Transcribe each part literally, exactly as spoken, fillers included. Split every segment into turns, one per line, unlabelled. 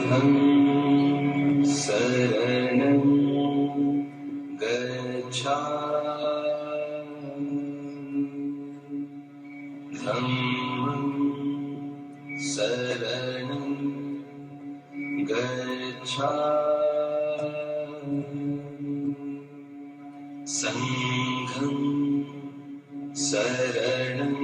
Dhammam saranam gacchami Dhammam saranam gacchami Sangham saranam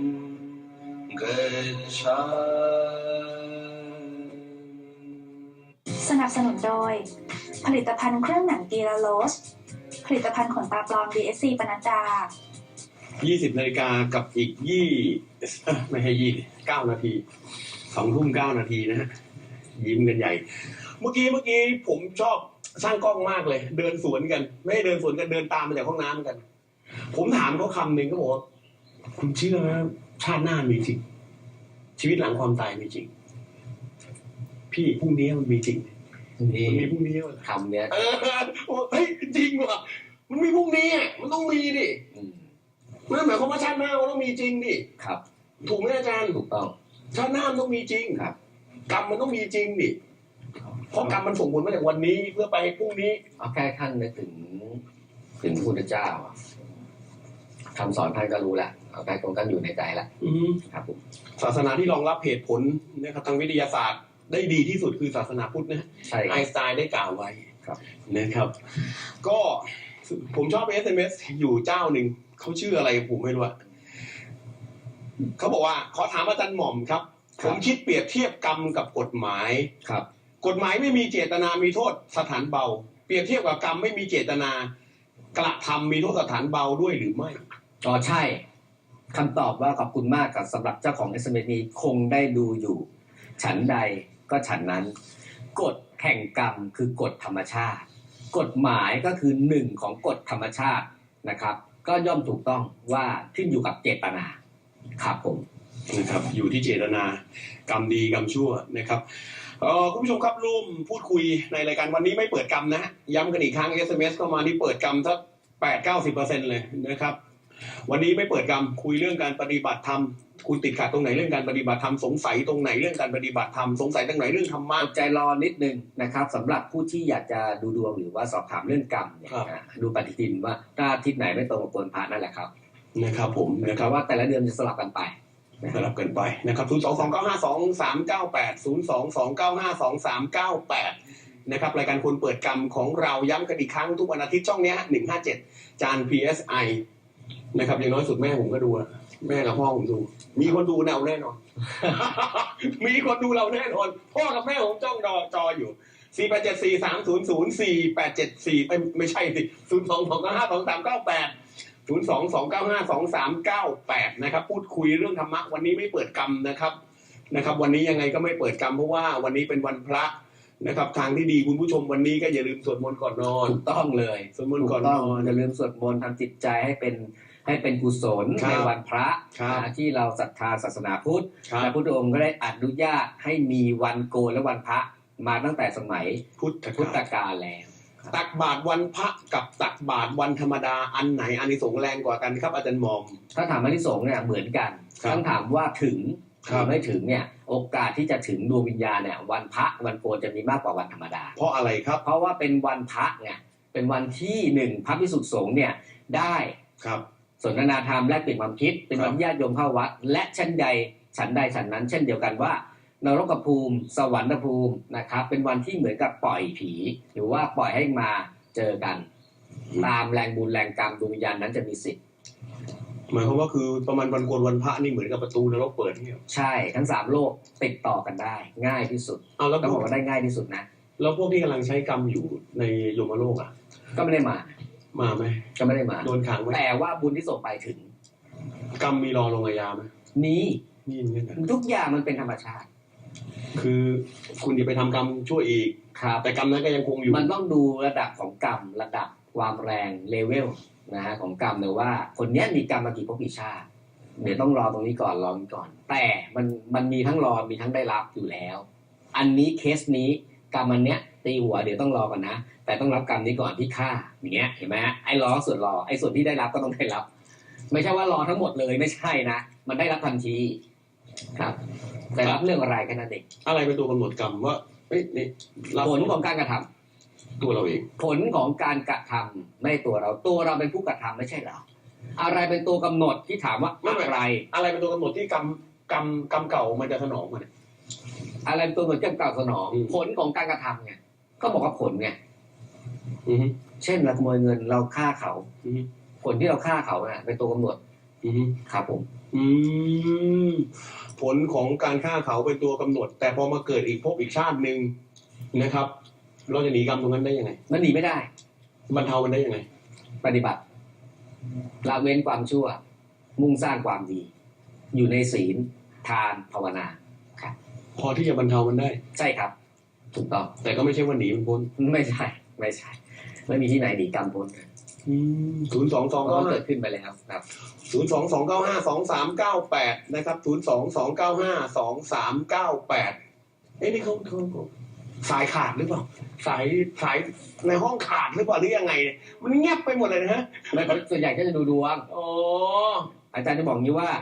สนับสนุนโดยผลิตภัณฑ์เครื่องหนังกีราโลสผลิตภัณฑ์ขนตาปลอม ดี เอส ซี ปนัดดา
ยี่สิบนาฬิกากับอีกยี่ไม่ให้ยี่เก้านาทีสองทุ่มเก้านาทีนะฮะยิ้มกันใหญ่เมื่อกี้เมื่อกี้ผมชอบช่างกล้องมากเลยเดินสวนกันไม่ได้เดินสวนกันเดินตามมาจากห้องน้ำกันผมถามเขาคำหนึ่งเขาบอกว่าคุณเชื่อไหมชาติหน้ามีจริงชีวิตหลังความตายมีจริงพี่พรุ่งนี้มันมีจริงมันมีพรุ่งนี้คำเนี้ยเออเฮ้ยจริงว่ะมันมีพรุ่งนี้มันต้องมีดินั่นหมายความว่าชาติหน้ามันต้องมีจริงดิครับถูกไหมอาจารย์ถูกต้องชาติหน้ามันต้องมีจริงครับกรรมมันต้องมีจริงดิเพราะกรรมมันส่งผลมาจากวันนี้เพื่อไปพรุ่งนี้
เอาแค่ท่านนึกถึงถึงพระพุทธเจ้าคำสอนท่านก็รู้แล้วเอาแค่ตรงกันอยู่ในใจแล้วครับผม
ศาสนาที่รองรับเหตุผลนะครับทางวิทยาศาสตร์ได้ดีที่สุดคือศาสนาพุทธนะไอน์สไตน์ได้กล่าวไว้นะครับก็ผมชอบ เอส เอ็ม เอส อยู่เจ้าหนึ่งเขาชื่ออะไรผมไม่รู้เขาบอกว่าขอถามอาจารย์หม่อมครับผมคิดเปรียบเทียบกรรมกับกฎหมายครับกฎหมายไม่มีเจตนามีโทษสถานเบาเปรียบเทียบกับกรรมไม่มีเจตนากระทำมีโทษสถานเบาด้วยหรือไม่
อ๋อใช่คำตอบว่าขอบคุณมากกับสำหรับเจ้าของ เอส เอ็ม เอส นี้คงได้ดูอยู่ฉันใดก็ฉันนั้นกฎแห่งกรรมคือกฎธรรมชาติกฎหมายก็คือหนึ่งของกฎธรรมชาตินะครับก็ย่อมถูกต้องว่าขึ้นอยู่กับเจตนาครับผม
นะครับอยู่ที่เจตนากรรมดีกรรมชั่วนะครับเอ่อคุณผู้ชมครับร่วมพูดคุยในรายการวันนี้ไม่เปิดกรรมนะฮะย้ำกันอีกครั้ง เอส เอ็ม เอส เข้ามานี่เปิดกรรมสัก แปดถึงเก้าสิบเปอร์เซ็นต์ เลยนะครับวันนี้ไม่เปิดกรรมคุยเรื่องการปฏิบัติธรรมคุณติดขัดตรงไหนเรื่องการปฏิบัติธรรมสงสัยตรงไหนเรื่องการปฏิบัติธรรมสงสัยตรงไหนเรื่องธรรมะ
ใจรอนิดนึงนะครับสำหรับผู้ที่อยากจะดูดวงหรือว่าสอบถามเรื่องกรรมเนี่ยดูปฏิทินว่าถ้าอาทิตย์ไหนไม่ตรงกับวันพระนั่นแหละครับ
นะครับผม
นะครับว่าแต่ละเดือนจะสลับกันไป
สลับกันไปนะครับศูนย์ สอง สอง เก้า ห้า สอง สาม เก้า แปด ศูนย์ สอง สอง เก้า ห้า สอง สาม เก้า แปดนะครับรายการคนเปิดกรรมของเราย้ำกันอีกครั้งทุกวันอาทิตย์ช่องนี้หนึ่งห้าเจ็ดจาน พี เอส ไอ นะครับอย่างน้อยสุดแม่ผมก็ดูแม่กับพ่อผมดูมีคนดูเราแน่นอนมีคนดูเราแน่นอนพ่อกับแม่ผมจ้องจอจออยู่สี่ แปด เจ็ด สี่ สาม ศูนย์ ศูนย์ สี่ แปด เจ็ด สี่ไม่ไม่ใช่สิศูนย์ สอง สอง เก้า ห้า สอง สาม เก้า แปดศูนย์ สอง สอง เก้า ห้า สอง สาม เก้า แปดนะครับพูดคุยเรื่องธรรมะวันนี้ไม่เปิดกรรมนะครับนะครับวันนี้ยังไงก็ไม่เปิดกรรมเพราะว่าวันนี้เป็นวันพระนะครับทางที่ดีคุณผู้ชมวันนี้ก็อย่าลืมสวดมนต์ก่อนนอน
ถูกต้องเลย
สวดมนต์ก่อนนอน
อย่าลืมสวดมนต์ทำจิตใจให้เป็นให้เป็นกุศลในวันพระที่เราศรัทธาศาสนาพุทธและพุทธองค์ก็ได้อนุญาตให้มีวันโกนและวันพระมาตั้งแต่สมัยพุทธกาลแล้ว
ตักบาตรวันพระกับตักบาตรวันธรรมดาอันไหนอานิสงส์แรงกว่ากันครับอาจารย์มอม
ถ้าถามอานิสงส์เนี่ยเหมือนกันต้องถามว่าถึงหรือไม่ถึงเนี่ยโอกาสที่จะถึงดวงวิญญาณเนี่ยวันพระวันโกนจะมีมากกว่าวันธรรมดา
เพราะอะไรครับ
เพราะว่าเป็นวันพระไงเป็นวันที่หนึ่งพระภิกษุสงฆ์เนี่ยได้
ครับ
สนทนาธรรมแลกเปลี่ยนความคิดเป็นวันญาติโยมเข้าวัดและชั้นใดฉันใดฉันนั้นเช่นเดียวกันว่านรกภูมิสวรรค์ภูมินะครับเป็นวันที่เหมือนกับปล่อยผีหรือว่าปล่อยให้มาเจอกันตามแรงบุญแรงกรรมดวงวิญญาณนั้นจะมีสิทธิ์
หมายความว่าคือประมาณวันโกนวันพระนี่เหมือนกับประตูนรกเปิดเนี่ย
ใช่ทั้งสามโลกติดต่อกันได้ง่ายที่สุด
เอาแล้ว
ต้องบอกว่าได้ง่ายที่สุดนะ
แล้วพวกที่กำลังใช้กรรมอยู่ในยมโลกอ่ะ
ก็ไม่ได้มา
มาไหม
ก็ไม่ได้มา
โดนขังไหม
แต่ว่าบุญที่ส่งไปถึง
กรรมมีรอลงอาญาไหม
มี
มี
ทุกอย่างมันเป็นธรรมชาติ
คือคุณอย่าไปทำกรรมชั่วอีกแต่กรรมนั้นก็ยังคงอยู่
มันต้องดูระดับของกรรมระดับความแรงเลเวลนะฮะของกรรมเลยว่าคนนี้มีกรรมมากี่ภพกี่ชาติเดี๋ยวต้องรอตรงนี้ก่อนรอก่อนแต่มันมันมีทั้งรอมีทั้งได้รับอยู่แล้วอันนี้เคสนี้กรรมอันเนี้ยตีหัวเดี๋ยวต้องรอก่อนนะแต่ต้องรับกรรมนี้ก่อนที่ฆ่าอย่างเงี้ยเห็นไหมไอ้รอส่วนรอไอ้ส่วนที่ได้รับก็ต้องได้รับไม่ใช่ว่ารอทั้งหมดเลยไม่ใช่นะมันได้รับทันทีครับแต่รับเรื่องอะไรกันนั่นเอง
อะไรเป็นตัวกำหนดกรรมว่าเฮ้ยนี่เรา
ผลของการกระทำ
ตัวเราเอง
ผลของการกระทำไม่ตัวเราตัวเราเป็นผู้กระทำไม่ใช่เหรออะไรเป็นตัวกำหนดที่ถามว่าอะไร
อะไรเป็นตัวกำหนดที่กรรมกรรมกรรมเก่ามันจะสนองมันย
อะไรเป็นตัวกำหนดที่กล่าวสนอง
อืม
ผลของการกระทำไงก็บอกว่าผลไง
อือฮึ
เช่นเราขโมยเงินเราฆ่าเขา
อือฮึ
ผลที่เราฆ่าเขาน่ะเป็นตัวกำหนด
อือฮึ
ครับผม
อืมผลของการฆ่าเขาเป็นตัวกำหนด แต่พอมาเกิดอีกภพอีกชาติหนึ่งนะครับ เราจะหนีกรรมตรงนั้นได้ยังไง
มันหนีไม่ได้
บรรเทามันได้ยังไง
ปฏิบัติละเว้นความชั่ว มุ่งสร้างความดี อยู่ในศีลทานภาวนา
พอที่จะบรรเทามันได้
ใช่ครับ ถูกต้อง
แต่ก็ไม่ใช่ว่าหนีมันพ้น
ไม่ใช่ ไม่ใช่ ไม่มีที่ไหนหนีกรรมพ้น
ศูนย์สองสอง
เพราะ
เก้า
มัน
ห้า
เกิดขึ้นไปแล้วครับ
ศูนย์สองสองเก้าห้าสองสามเก้าแปดนะครับศูนย์สองสองเก้าห้าสองสามเก้าแปดเอ้ยนี่เขาเขาเขาสายขาดหรือเปล่าสายสายในห้องขาดหรือเปล่าหรือยังไงเนี่ยมันเงียบไปหมดเลยนะฮะ
แล้วส่วนใหญ่ก็จะดูดวง
อ๋อ
อาจารย์จะบอกงี้ว่า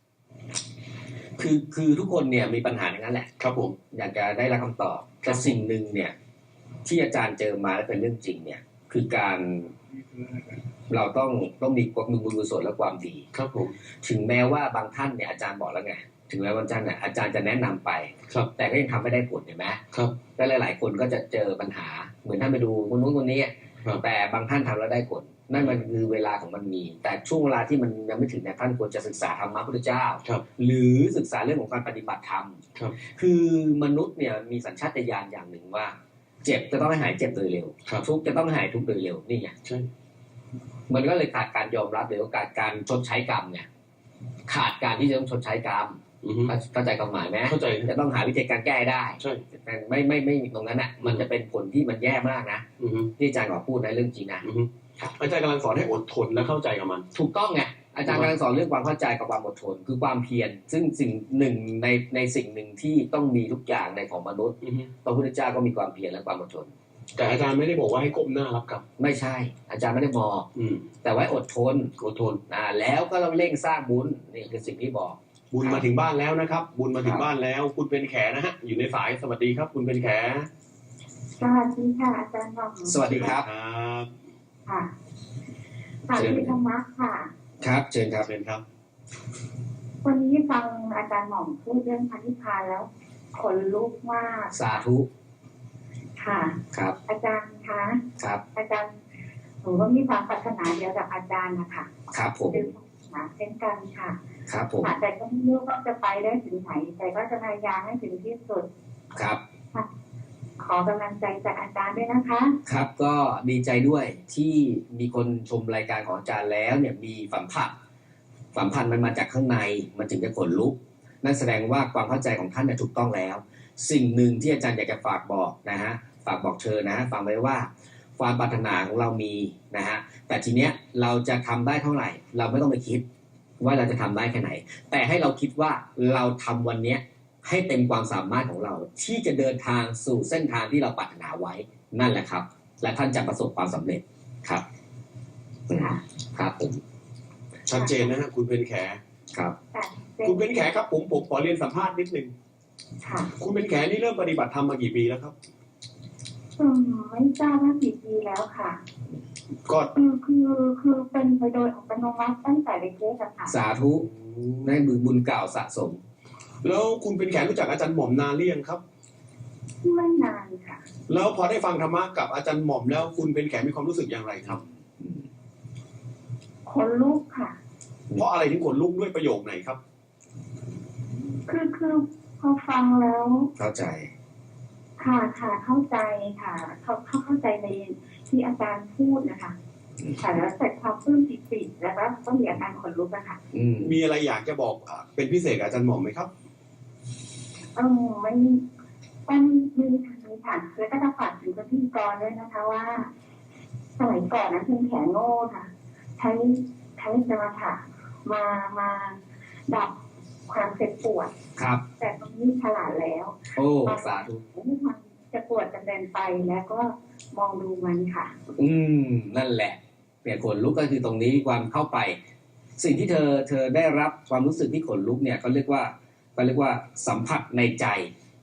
คือคือทุกคนเนี่ยมีปัญหาอย่างนั้นแหละ
ครับผม
อยากจะได้รับคำตอบแต่สิ่งหนึ่งเนี่ย ที่อาจารย์เจอมาและเป็นเรื่องจริง เนี่ย คือการเราต้องต้องมีความมีบุญกุศลและความดี
ครับผม
ถึงแม้ว่าบางท่านเนี่ยอาจารย์บอกแล้วไงถึงแม้วันจันทร์เนี่ยอาจารย์จะแนะนำไป
ครับ
แต่ก็ยังทำไม่ได้ผลเห็นไหม
ครับ
และหลาย ๆ คนก็จะเจอปัญหา เหมือนท่านไปดูคนนู้นคนนี้
ครับ
แต่บางท่านทำแล้วได้ผลนั่นมันคือเวลาของมันมี แต่ช่วงเวลาที่มันยังไม่ถึงเนี่ยท่านควรจะศึกษาธรรมะพุทธเจ้า
ครับ
หรือศึกษาเรื่องของการปฏิบัติธรรม
ครับ
คือมนุษย์เนี่ยมีสัญชาตญาณอย่างหนึ่งว่า เจ็บจะต้องให้หายเจ็บโดยเร็ว
ครับ
ทุกข์จะต้องหายทุกข์โดยเร็วนี่ไง
ใช่
มันก็เลยขาดการยอมรับหรือว่าขาดการชดใช้กรรมเนี่ย ขาดการที่จะต้องชดใช้กรรม
อือฮึ
เข้าใจความหมายไหม
เข้าใจ
จะต้องหาวิธีการแก้ได้
ใช่
แต่ไม่ไม่ไม่ตรงนั้นอ่ะ มันจะเป็นผลที่มันแย่มากนะ
อือฮึ
ที่อาจารย์ขอพูดในเรื่องจริงนะ
อือฮึอาจารย์กำลังสอนให้อดทนและเข้าใจกับมัน
ถูกต้องไงอาจารย์กำลังสอนเรื่องความเข้าใจกับความอดทน คือความเพียรซึ่งสิ่งหนึ่งในในสิ่งหนึ่งที่ต้องมีทุกอย่างในของมนุษย์
อือฮึ
พระพุทธเจ้าก็มีความเพียรและความอดทน
แต่อาจารย์ไม่ได้บอกว่าให้ก้มหน้ารับกรรม
ไม่ใช่ อาจารย์ไม่ได้บอก
อืม
แต่ไว้อดทน
อดทน
อ่าแล้วก็ต้องเร่งสร้างบุญนี่คือสิ่งที่บอก
บุญมาถึงบ้านแล้วนะครับ บุญมาถึงบ้านแล้ว คุณเป็นแขนะฮะ อยู่ในสายสวัสดีครับ คุณเป็นแข
สวัสดีค่ะอาจารย์หม่อม
สวัสดีครับ
ครับ
ค่ะค่ะพี่ธรรมะค่ะ
ครับเชิญครับ
เชิญครับ
วันนี้ฟังอาจารย์หม่อมพูดเรื่องพันธิพานแล้วขนลุกมาก
สาธุ
ค่ะ
ครับ
อาจารย์คะ
ครับ
อาจารย์หนูก็มีความปรารถนาเดียวกับอาจารย์นะคะ
ครับผม
คือหาเช่นกันค่ะ
ครับผม
ค่ะแต่ก็ไม่รู้ว่าจะไปได้ถึงไหน แต่ก็จะพยายามให้ถึงที่สุด
ครับ
ขอกำลังใจจากอาจารย์ด้วยนะคะ
ครับก็ดีใจด้วยที่มีคนชมรายการของอาจารย์แล้วเนี่ยมีสัมผัสสัมพันธ์มันมาจากข้างในมันถึงจะขนลุก นั่นแสดงว่าความเข้าใจของท่านเนี่ยถูกต้องแล้ว สิ่งหนึ่งที่อาจารย์อยากจะฝากบอกนะฮะฝากบอกเชิญนะฮะฟังไว้ว่าความปรารถนาของเรามีนะฮะแต่ทีเนี้ยเราจะทำได้เท่าไหร่ เราไม่ต้องไปคิดว่าเราจะทำได้แค่ไหน แต่ให้เราคิดว่าเราทำวันเนี้ยให้เต็มความสามารถของเรา ที่จะเดินทางสู่เส้นทางที่เราปรารถนาไว้นั่นแหละครับ และท่านจะประสบความสำเร็จครับ
ค่ะ
ครับผม
ชัดเจนนะฮะ คุณเป็นแข
ครับ
ค่ะ
คุณเป็นแขครับ ผมผมขอเรียนสัมภาษณ์นิดนึง
ค่ะ
คุณเป็นแขนี่เริ่มปฏิบัติธรรมมากี่ปีแล้วครับ
อืมไม่ทราบว่ากี่ปีแล้วค่ะ
ก็
คือคือคือเป็นไปโดยอัตโนมัติตั้งแต่เล็กๆอะค่ะ
สาธุได้บุญบุญเก่าสะสม
แล้วคุณเป็นแขรู้จักอาจารย์หม่อมนานหรือยังครับ
ไม่นานค่ะ
แล้วพอได้ฟังธรรมะกับอาจารย์หม่อมแล้วคุณเป็นแขมีความรู้สึกอย่างไรครับ
ขนลุกค่ะ
เพราะอะไรถึงขนลุกด้วยประโยคไหนครับ
คือคือพอฟังแล้ว
เข้าใจ
ค่ะค่ะเข้าใจค่ะ เขาเขาเข้าใจในที่อาจารย์พูดนะคะค่ะแล้วเสร็จความปลื้มปิติแล้วก็ต้องมีอาการขนลุกอะค่ะ
อืม
มีอะไรอยากจะบอกอ่ะเป็นพิเศษกับอาจารย์หม่อมไหมครับ
เออมันมันมีทางนี้ค่ะแล้วก็จะฝากถึงคนที่กรด้วยนะคะว่า สมัยก่อนนะคุณแขนโง่ค่ะ ใช้ใช้สมาธิมามาดับความเจ็บปวด
ครับ
แต่ตรงนี้ฉลาดแล้ว
โอ้สาธุ
ไม่มันจะปวดจะเดินไปแล้วก็มองดูมันค่ะ
อืมนั่นแหละเปลี่ยนขนลุกก็คือตรงนี้ความเข้าไป สิ่งที่เธอเธอได้รับความรู้สึกที่ขนลุกเนี่ยเขาเรียกว่าเขาเรียกว่าสัมผัสในใจ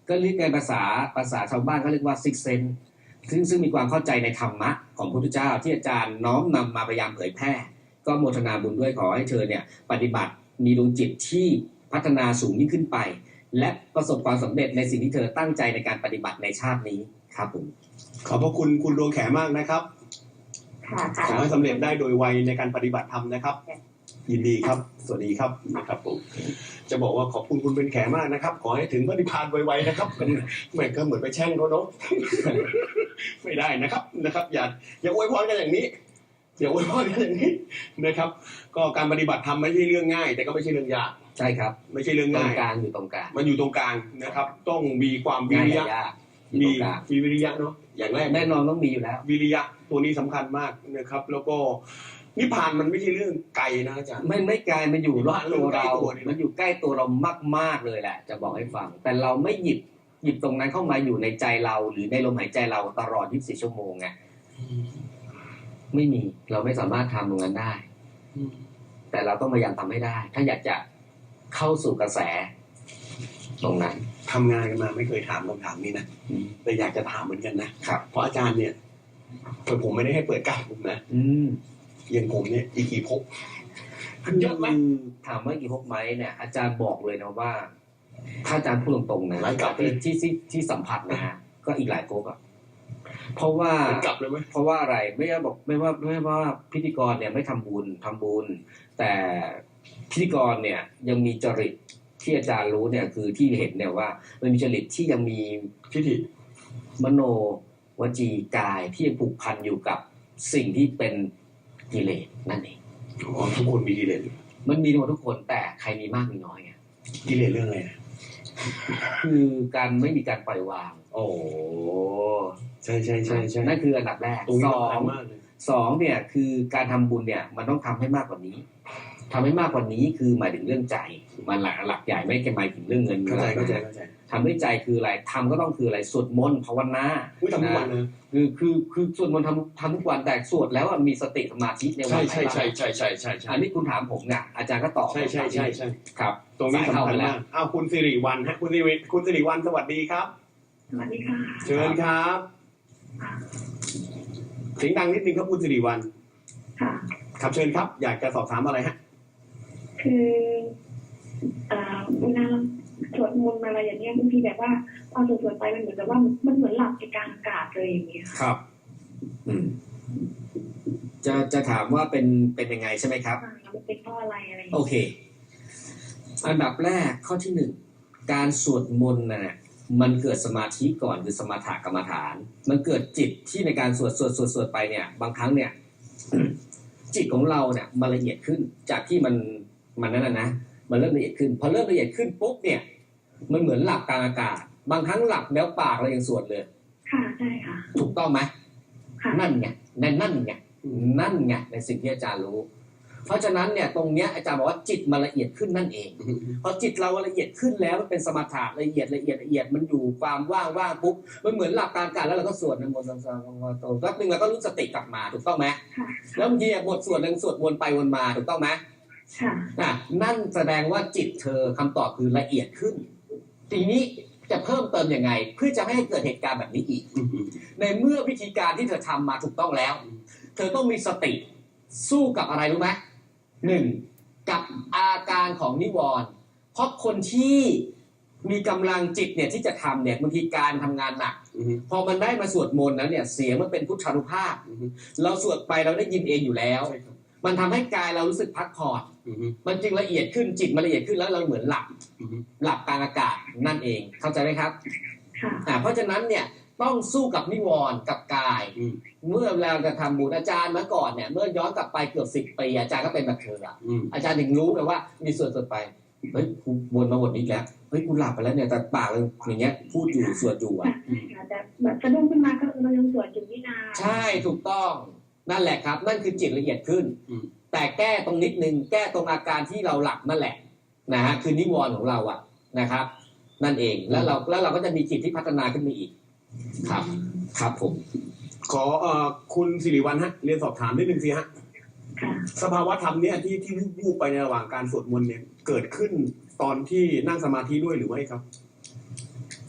ก็เรียกในภาษาภาษาชาวบ้านเขาเรียกว่าซิกเซนซึ่งซึ่งมีความเข้าใจในธรรมะของพระพุทธเจ้าที่อาจารย์น้อมนำมาพยายามเผยแพร่ก็โมทนาบุญด้วยขอให้เธอเนี่ยปฏิบัติมีดวงจิตที่พัฒนาสูงยิ่งขึ้นไปและประสบความสำเร็จในสิ่งที่เธอตั้งใจในการปฏิบัติในชาตินี้ครับผม
ขอบพระคุณคุณดวงแขมากนะครับขอให้สำเร็จได้โดยไวในการปฏิบัติธรรมนะครับยินดีครับสวัสดีครับนะครับผมจะบอกว่าขอบคุณคุณเป็นแขมากนะครับขอให้ถึงพระนิพพานไวๆนะครับเหมือนก็เหมือนไปแช่งเขาเนาะไม่ได้นะครับนะครับอย่าอย่าอวยพรกันอย่างนี้อย่าอวยพรกันอย่างนี้นะครับก็การปฏิบัติธรรมไม่ใช่เรื่องง่ายแต่ก็ไม่ใช่เรื่องยาก
ใช่ครับ
ไม่ใช่เรื่องง่าย
ตรงกลางอยู่ตรงกลาง
มันอยู่ตรงกลางนะครับต้องมีความวิริยะมีมีวิริยะเนาะอย่างแรก
แน่นอนต้องมีอยู่แล้ว
วิริยะตัวนี้สำคัญมากนะครับแล้วก็นิพพานมันไม่ใช่เรื่องไกลนะอาจารย์
ไม่ไม่ไกลมันอยู่รอบตัวเรามันอยู่ใกล้ตัวเรามากๆเลยแหละจะบอกให้ฟังแต่เราไม่หยิบหยิบตรงนั้นเข้ามาอยู่ในใจเราหรือในลมหายใจเราตลอดยี่สิบสี่ชั่วโมงไงไม่มีเราไม่สามารถทำตรงนั้นได้แต่เราต้องพยายามทำให้ได้ถ้าอยากจะเข้าสู่กระแสตรงนั้น
ทำงานกันมาไม่เคยถามคำถามนี้นะแต่อยากจะถามเหมือนกันนะครับเพราะอาจารย์เนี่ยผมไม่ได้ให้เปิดกล้าผมนะอย่างผมเนี่ยอีกกี่ภพเยอะไหม
ถามว่ากี่ภพไหมเนี่ยอาจารย์บอกเลยนะว่าถ้าอาจารย์พูดตรงๆนะที่ที่ที่สัมผัสนะฮะก็อีกหลายภพอ่ะเพราะว่ากลับเลยไหมเพราะว่าอะไรไม่ว่าบอกไม่ว่าไม่ว่าพิธีกรเนี่ยไม่ทำบุญทำบุญแต่พิธีกรเนี่ยยังมีจริตที่อาจารย์รู้เนี่ยคือที่เห็นเนี่ยว่ามันมีจริตที่ยังมี
ทิฏฐิ
มโนวจีกายที่ยังผูกพันอยู่กับสิ่งที่เป็นกิเลสนั่นเอง
อ๋อทุกคนมีกิเลส
มันมีหมดทุกคนแต่ใครมีมากมีน้อยไง
กิเลสเรื่องอะไร
คือการไม่มีการปล่อยวาง
โอ้ใช่ใช่ใช่ใช่
นั่นคืออันดับแรกสองสองเนี่ยคือการทำบุญเนี่ยมันต้องทำให้มากกว่านี้ทำให้มากกว่านี้คือหมายถึงเรื่องใจมันหลักหลักใหญ่ไม่ใช่หมายถึงเรื่องเงิน
เข้าใจเข้าใจเข้าใจ
ทำด้วยใจคืออะไรทำก็ต้องคืออะไรสวดมนต์ภาวนา
ทำทุกวันเลย
คือคือคือสวดมนต์ทำทำทุกวันแต่สวดแล้วมีสติสมาธิในวัน
ใช่ใช่ใช่ใช่ใช่
อันนี้คุณถามผมเนี่ยอาจารย์ก็ตอบ
ใช่ใช่ใช่ใช่
ครับ
ตรงนี้สำคัญมากอ้าวคุณสิริวัลย์ฮะคุณสิริคุณสิริวัลย์สวัสดีครับ
สวัสดีค่ะ
เชิญครับเสียงดังนิดนึงครับคุณสิริวัลย์
ค่ะ
ครับเชิญครับอยากจะสอบถามอะไรฮะ
คือเวลาสวดมนต์อะไรอย่างเงี้ยบางทีแบบว่าพอสวดไปมันเหมือนกับว่ามันเหมือนหลับในกลางอากาศเลยอย่างเงี้ย
ครับอืมจะจะถามว่าเป็นเป็นยังไงใช่ไหมครับ
มันเป็นเพราะอะไรอะไร
โอเคอันดับแรกข้อที่หนึ่งการสวดมนต์น่ะมันเกิดสมาธิก่อนคือสมถกรรมฐานมันเกิดจิตที่ในการสวดสวดสวดสวดไปเนี่ยบางครั้งเนี่ย จิตของเราเนี่ยมันละเอียดขึ้นจากที่มันมันนั่นนะนะมันเริ่มละเอียดขึ้นพอเริ่มละเอียดขึ้นปุ๊บเนี่ยมันเหมือนหลับกลางอากาศบางครั้งหลับแล้วปากเรายังสวดเลย
ค่ะใช่ค่ะ
ถูกต้องไหม
ค่ะ
นั่นไงนั่นนั่นไงนั่นไงในสิ่งที่อาจารย์รู้เพราะฉะนั้นเนี่ยตรงเนี้ยอาจารย์บอกว่าจิตมันละเอียดขึ้นนั่นเองพอจิตเราละเอียดขึ้นแล้วมันเป็นสมถะละเอียดละเอียดละเอียดมันอยู่ความว่างว่างปุ๊บมันเหมือนหลับกลางอากาศแล้วเราก็สวดนะโมตัสสะภะคะวะโตแป๊บนึงเราก็รู้สติกลับมาถูกต้องไหมแล้วบางทีบทสวดนึงสวดวนไปวนมาถูกต้องไหม
ค่ะ
นั่นแสดงว่าจิตเธอคำตอบคือละเอียดขึ้นทีนี้จะเพิ่มเติมยังไงเพื่อจะไม่ให้เกิดเหตุการณ์แบบนี้อีกในเมื่อวิธีการที่เธอทำมาถูกต้องแล้วเธอต้องมีสติสู้กับอะไรรู้ไหมหนึ่งกับอาการของนิวรณ์เพราะคนที่มีกำลังจิตเนี่ยที่จะทำเนี่ยบางทีการทำงานหนักพอมันได้มาสวดมนต์แล้วเนี่ยเสียงมันเป็นพุทธานุภาพเราสวดไปเราได้ยินเองอยู่แล้วมันทำให้กายเรารู้สึกพักผ่อนมันจึงละเอียดขึ้นจิตมันละเอียดขึ้นแล้วเราเหมือนหลับหลับกลางอากาศนั่นเองเข้าใจไหมครับอ่าเพราะฉะนั้นเนี่ยต้องสู้กับนิวรณ์กับกายเมื่อเราจะทำบุญอาจารย์เมื่อก่อนเนี่ยเมื่อย้อนกลับไปเกือบสิบปีอาจารย์ก็เป็นแบบเธออ่ะอาจารย์ถึงรู้เลยว่ามีส่วนส่วนไปเฮ้ยกูวนมาบทนี้แล้วเฮ้ยกูหลับไปแล้วเนี่ยแต่ปากเราอย่างเงี้ยพูดอยู่สวดอยู่อ่ะ
แต่แบบสะดุ้งขึ้นมาก็เรายังสวดอยู่นี่นา
ใช่ถูกต้องนั่นแหละครับนั่นคือจิตละเอียดขึ้นแต่แก้ตรงนิดนึงแก้ตรงอาการที่เราหลับนั่นแหละนะฮะคือนิวรณ์ของเราอ่ะนะครับนั่นเองแล้วเราแล้วเราก็จะมีจิตที่พัฒนาขึ้นมาอีกครับครับผม
ขอเอ่อคุณสิริวัลย์ฮะเรียนสอบถามนิดนึงสิฮะสภาวะธรรมเนี่ยที่ที่วูบไปในระหว่างการสวดมนต์เนี่ยเกิดขึ้นตอนที่นั่งสมาธิด้วยหรือไม่ครับ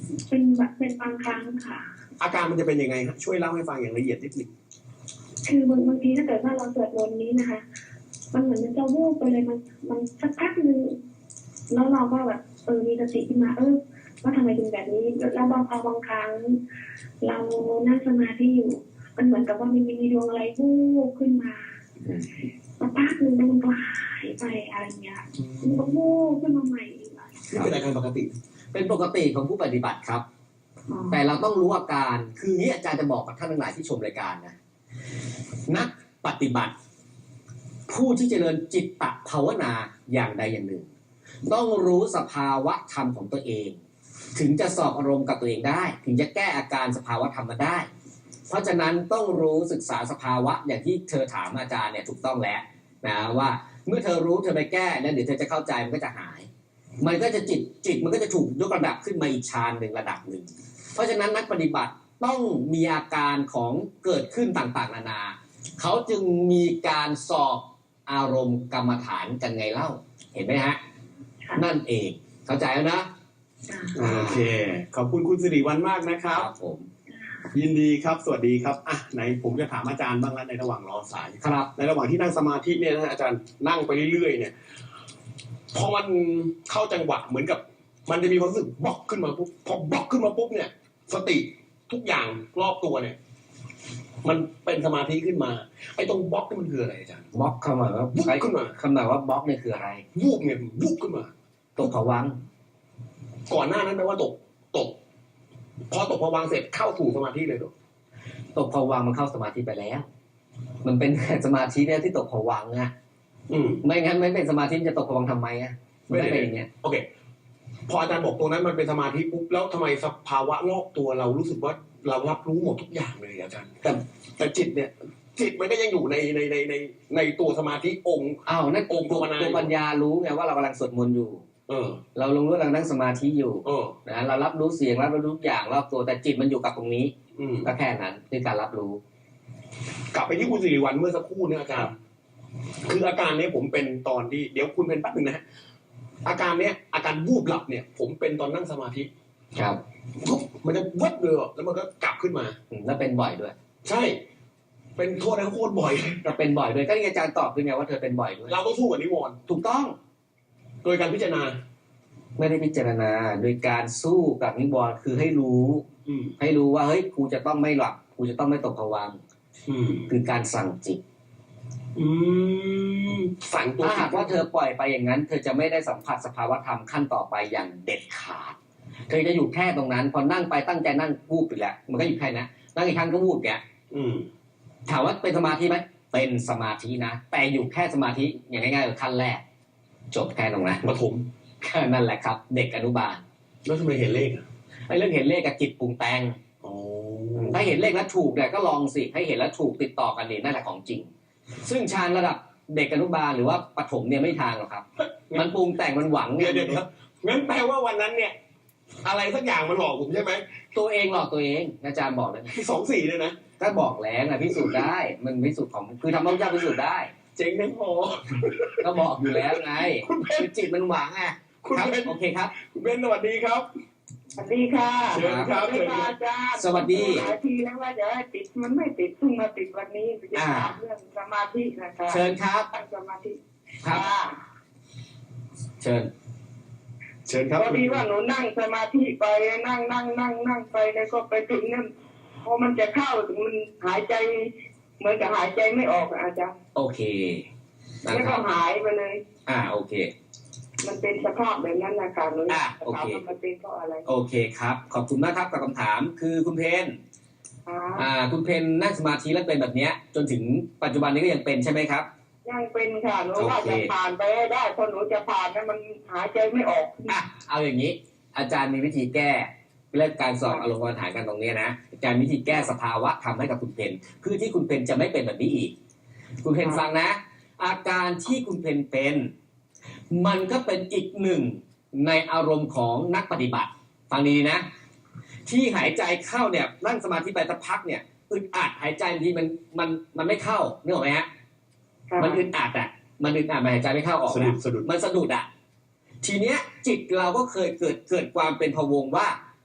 เป็นแบบเป็นบางครั้งค่ะ
อาการมันจะเป็นยังไงฮะช่วยเล่าให้ฟังอย่างละเอียดนิดหนึง
คือบางบางทีถ้าเกิดว่าเราสวดมนต์นี้นะคะ มันเหมือนมันจะวูบไปเลยมันมันสักพักหนึ่งแล้วเราก็แบบเออมีสติขึ้นมาเออว่าทำไมเป็นแบบนี้แล้วบางพอบางครั้ง เรานั่งสมาธิอยู่ มันเหมือนกับว่ามันมีดวงอะไรวูบขึ้นมาสักพักหนึ่งแล้วมันก็หายไปอะไรเงี้ยมันก็วูบขึ้นมาใหม่อีกอะ
นี่เป็นอาการปกติ
เป็นปกติของผู้ปฏิบัติครับ
อ๋อ
แต่เราต้องรู้อาการคืออย่างนี้อาจารย์จะบอกกับท่านทั้งหลายที่ชมรายการนะนักปฏิบัติ ผู้ที่เจริญจิตตภาวนาอย่างใดอย่างหนึ่ง ต้องรู้สภาวะธรรมของตัวเอง ถึงจะสอบอารมณ์กับตัวเองได้ ถึงจะแก้อาการสภาวะธรรมมาได้ เพราะฉะนั้นต้องรู้ศึกษาสภาวะอย่างที่เธอถามอาจารย์เนี่ยถูกต้องแล้วนะว่าเมื่อเธอรู้เธอไปแก้แล้วเดี๋ยวเธอจะเข้าใจมันก็จะหาย มันก็จะจิตจิตมันก็จะถูกยกระดับขึ้นมาอีกฌานหนึ่งระดับหนึ่งเพราะฉะนั้นนักปฏิบัติต้องมีอาการของเกิดขึ้นต่างๆนานาเขาจึงมีการสอบอารมณ์กรรมฐานกันไงเล่าเห็นไหมฮะนั่นเองเข้าใจแล้วนะ
โอเค ขอบคุณคุณสิริวัลย์มากนะครับ
ผม
ยินดีครับสวัสดีครับอ่ะไหนผมจะถามอาจารย์บ้างแล้วในระหว่างรอสาย
ครับ
ในระหว่างที่นั่งสมาธิเนี่ยนะอาจารย์นั่งไปเรื่อยๆเนี่ยพอมันเข้าจังหวะเหมือนกับ มันจะมีความรู้สึกบล็อกขึ้นมาปุ๊บพอบล็อกขึ้นมาปุ๊บเนี่ย สติทุกอย่างรอบตัวเนี่ย มันเป็นสมาธิขึ้นมาไอ้ตรงบล็อกนี่มันคืออะไรอาจารย์
บล็อกคำหมายว่า
วุบขึ้นมา
คำหมายว่าบล็อกเนี่ยคืออะไร
วูบเนี่ยวูบขึ้นมา
ตกผวังค์
ก่อนหน้านั้นแปลว่าตกตก พอตกพอวางเสร็จเข้าสู่สมาธิเลยเหรอ
ตกผวังค์มันเข้าสมาธิไปแล้ว มันเป็นสมาธิเนี่ยที่ตกผวังค์อะ
อืม
ไม่งั้นไม่เป็นสมาธิจะตกผวังค์ทำไมอะมันไม่เป็นอย่างเงี้ย
โอเค พออาจารย์บอกตรงนั้นมันเป็นสมาธิปุ๊บแล้วทำไมสภาวะรอบตัวเรารู้สึกว่าเรารับรู้หมดทุกอย่างเลยอาจารย์ แต่แต่จิตเนี่ย จิตมันก็ยังอยู่ในในในในในตัวสมาธิองค์
อ้าวนั่น
องค์
ตัว
ภาวนา
ตัวปัญญารู้ไงว่าเรากำลังสวดมนต์อยู่
เออ
เราลงรู้กำลังนั่งสมาธิอยู่
เออ
นะเรารับรู้เสียงรับรู้ทุกอย่างรอบตัวแต่จิตมันอยู่กับตรงนี้
อืม
ก็แค่นั้นคือการรับรู้
กลับไปที่คุณสิริวัลย์เมื่อสักครู่เนี่ยอาจารย์ คืออาการเนี้ยผมเป็นตอนที่เดี๋ยวคุณเป็นแป๊บนึงนะฮะอาการเนี้ยอาการวูบหลับเนี่ย ผมเป็นตอนนั่งสมาธิ
ครับ
ปุ๊บมันจะวัดเลยอะแล้วมันก็กลับขึ้นมา
อืมแล้วเป็นบ่อยด้วย
ใช่ เป็นโทษนะโคตรบ่อย
เราเป็นบ่อยด้วยก็ที่อาจารย์ตอบคือไงว่าเธอเป็นบ่อยด้วย
เราต้องสู้กับนิวรณ์
ถูกต้อง
โดยการพิจารณา
ไม่ได้พิจารณาโดยการสู้กับนิวรณ์คือให้รู้
อืม
ให้รู้ว่าเฮ้ยกูจะต้องไม่หลับกูจะต้องไม่ตกผวังค์
อืม
คือการสั่งจิต
อืมสั่งตัว
ถ้าหากว่าเธอปล่อยไปอย่างนั้น เธอจะไม่ได้สัมผัสสภาวธรรมขั้นต่อไปอย่างเด็ดขาดเธอจะอยู่แค่ตรงนั้น พอนั่งไปตั้งใจนั่งวูบไปแล้วมันก็อยู่แค่นั้นนั่งอีกครั้งก็วูบแก
อืม
ถามว่าเป็นสมาธิไหมเป็นสมาธินะแต่อยู่แค่สมาธิอย่างง่ายๆคือขั้นแรก จบแค่ตรงนั้น
ปฐม
แค่นั่นแหละครับ เด็กอนุบาล
แล้วทำไมเห็นเลขอ่ะ
ไอ้เรื่องเห็นเลขกับจิตปรุงแต่ง
อ๋อ
ถ้าเห็นเลขแล้วถูกเนี่ยก็ลองสิให้เห็นแล้วถูกติดต่อกันนี่นั่นแหละของจริง ซึ่งฌานระดับเด็กอนุบาลหรือว่าปฐมเนี่ยไม่ทางหรอกครับ มันปรุงแต่งมันหวัง
เดี๋
เนี่ย
วย เดี๋ยวเดี๋ยวงั้นแปลว่าวันนั้นเนี่ย อะไรสักอย่างมันหลอกผมใช่ไหม
ตัวเองหลอกตัวเองอาจารย์บอกเลย
สองสี่เนี่ยนะ
ก็บอกแล้วนะพิสูจน์ได้มันพิสูจน์ของคือทำให้พระเจ้าพิสูจน์ได้
เจ๋งทั้งพอ
ก็บอกอยู่แล้วไง
คุณเบน
คือจิตมันหวังอ่ะ
คุณ
ครับ
เบน
โอเคครับ
คุณเบนสวัสดีครับ
สวัสดีค่ะ
เชิญครับ
สวัสดีค่ะอาจารย์
สวัสดี
หลายทีแล้วว่าจะให้ติดมันไม่ติดเพิ่งมาติดวันนี้จะถามเรื่องสมาธินะคะ
เชิญครับ
ตั้งสมาธิ
ครับ
ค่ะ
เชิญ
เชิญครับ
พอดีว่าหนูนั่งสมาธิไปนั่งนั่งนั่งนั่งไปแล้วก็ไปถึงนั่นพอมันจะเข้าถึงมันหายใจเหมือนกับหายใจไม่ออกอะอาจารย์
โอเคนะ
แล้ว
ค
ก็
รับ
หายไปเลย
อ่าโอเค
มันเป็นสภาพแบบนั้นนะคะหนู
อ่ะ
ถาม
โอเค
ว่ามันเป็นเพราะอะไร
โอเคครับ ขอบคุณมากครับกับคำถามคือคุณเพน
อ่า
อ่าคุณเพนนั่งสมาธิแล้วเป็นแบบเนี้ยจนถึงปัจจุบันนี้ก็ยังเป็นใช่ไหมครับ
ยังเป็นค่ะหนูว่า
โอเค
จะผ่านไปให้ได้พอหนูจะผ่านนั้นมันหายใจไม่ออก
อ่ะเอาอย่างนี้ อาจารย์มีวิธีแก้เรื่องการสอบอารมณ์กรรมฐานกันตรงเนี้ยนะอาจารย์มีวิธีแก้สภาวะทำให้กับคุณเพนเพื่อที่คุณเพนจะไม่เป็นแบบนี้อีก คุณเพนฟังนะ อาการที่คุณเพนเป็น มันก็เป็นอีกหนึ่งในอารมณ์ของนักปฏิบัติ ฟังดีๆนะ ที่หายใจเข้าเนี่ยนั่งสมาธิไปสักพักเนี่ยอึดอัดหายใจบางทีมันมันมันไม่เข้านึกออกไหมฮะ
ค่ะ
มันอึดอัดอ่ะมันอึดอัดมันหายใจไม่เข้าออก
สะดุ
อะ
ดสะดุด
มันสะดุดอ่ะทีเนี้ยจิตเราก็เคยเกิดเกิดความเป็นพะวงว่า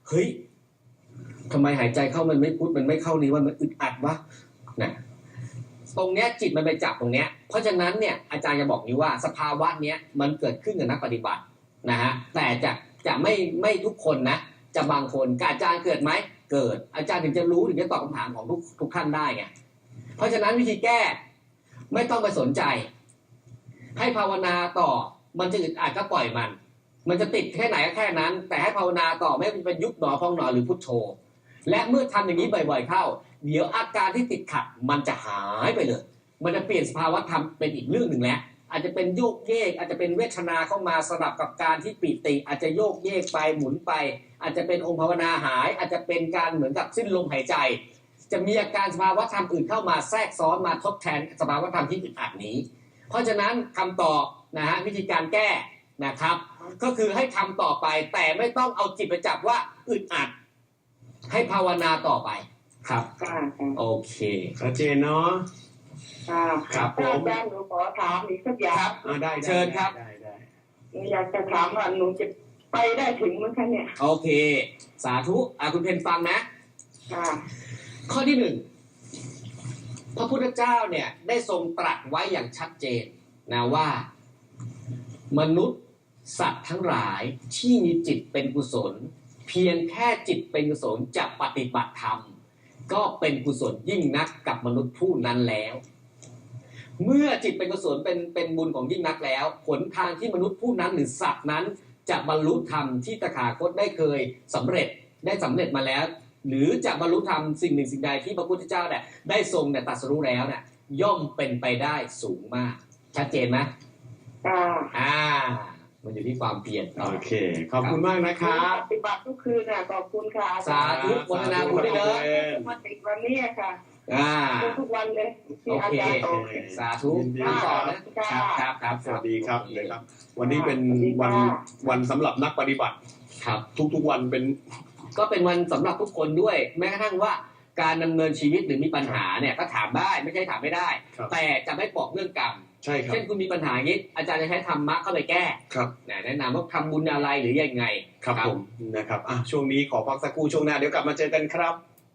เฮ้ยทำไมหายใจเข้ามันไม่พุทมันไม่เข้านี้ว่ามันอึดอัดวะนะตรงเนี้ยจิตมันไปจับตรงเนี้ยเพราะฉะนั้นเนี่ยอาจารย์จะบอกนี้ว่าสภาวะเนี้ยมันเกิดขึ้นกับนักปฏิบัตินะฮะแต่จะจะไม่ไม่ทุกคนนะจะบางคนกับอาจารย์เกิดไหมเกิดอาจารย์ถึงจะรู้ถึงจะตอบคำถามของทุกทุกท่านได้ไงเพราะฉะนั้นวิธีแก้ไม่ต้องไปสนใจให้ภาวนาต่อมันจะอึดอัดก็ปล่อยมันมันจะติดแค่ไหนก็แค่นั้นแต่ให้ภาวนาต่อไม่เป็นยุบหนอพองหนอหรือพุทโธและเมื่อทำอย่างนี้บ่อยๆเข้าเดี๋ยวอาการที่ติดขัดมันจะหายไปเลยมันจะเปลี่ยนสภาวะธรรมเป็นอีกเรื่องหนึ่งแล้วอาจจะเป็นโยกเยกอาจจะเป็นเวทนาเข้ามาสลับกับการที่ปิติอาจจะโยกเยกไปหมุนไปอาจจะเป็นองค์ภาวนาหายอาจจะเป็นการเหมือนกับสิ้นลมหายใจจะมีอาการสภาวะธรรมอื่นเข้ามาแทรกซ้อนมาทดแทนสภาวะธรรมที่อึดอัดนี้เพราะฉะนั้นคำตอบนะฮะวิธีการแก้นะครับก็คือให้ทำต่อไปแต่ไม่ต้องเอาจิตไปจับว่าอึดอัดให้ภาวนาต่อไปครับโอเค
ชัดเจนเนาะ
ครับผม
อาจารย์หนูขอถามอีกสักอย่าง
อ่าได้
เชิญครับ
ได้ได้
หนูอยากจะถามว่าหนูจะไปได้ถึงมั้งคะเนี่ย
โอเคสาธุอ่ะคุณเพนฟังนะ
ค่ะ
ข้อที่หนึ่งพระพุทธเจ้าเนี่ยได้ทรงตรัสไว้อย่างชัดเจนนะว่ามนุษย์สัตว์ทั้งหลายที่มีจิตเป็นกุศลเพียงแค่จิตเป็นกุศลจะปฏิบัติธรรมก็เป็นกุศลยิ่งนักกับมนุษย์ผู้นั้นแล้ว เมื่อจิตเป็นกุศลเป็นเป็นบุญของยิ่งนักแล้วผลทางที่มนุษย์ผู้นั้นหรือสัตว์นั้นจะบรรลุธรรมที่ตถาคตได้เคยสำเร็จได้สำเร็จมาแล้วหรือจะบรรลุธรรมสิ่งหนึ่งสิ่งใดที่พระพุทธเจ้าเนี่ยได้ทรงเนี่ยตรัสรู้แล้วเนี่ยย่อมเป็นไปได้สูงมากชัดเจนไหม
ค่ะ
อ่ามันอยู่ที่ความเพียร
โอเคขอบคุณมากนะครับ
ปฏิบัติทุกคืนน่ะขอบคุณค่ะ
สาธุโมทนาบุญด้วยเด้อ
มาติดวันนี้ค่ะ
อ่า
ทุกวันเลยที่
โอ
อา
เค
จารย์โต
สาธุ
ยินดี
ทำต่อนะครับครับครับ
สวัสดีครับเลยครับ วันนี้เป็นวันวันสำหรับนักปฏิบัติ
ครับ
ทุกๆวันเป็น
ก็เป็นวันสำหรับทุกคนด้วยแม้กระทั่งว่าการดำเนินชีวิตหรือมีปัญหาเนี่ยก็ถามได้ไม่ใช่ถามไม่ได้
ครับ
แต่จะไม่บอกเรื่องกรรม
ใช่ครับ
เช่นคุณมีปัญหาอย่างนี้อาจารย์จะใช้ธรรมะเข้าไปแก้
ครับ
แนะนำว่าทำบุญอะไรหรือยังไง
ครับผมนะครับอ่ะช่วงนี้ขอพักสักครู่ช่วงหน้าเดี๋ยวกลับมาเจอกันครับ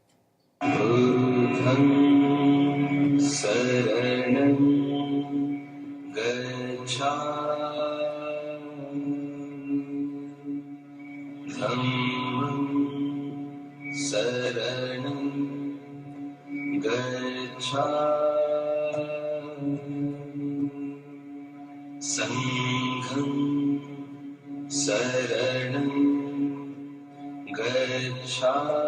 बुद्धं शरणं गच्छामि धम्मं शरणं गच्छामि सङ्घं शरणं गच्छामि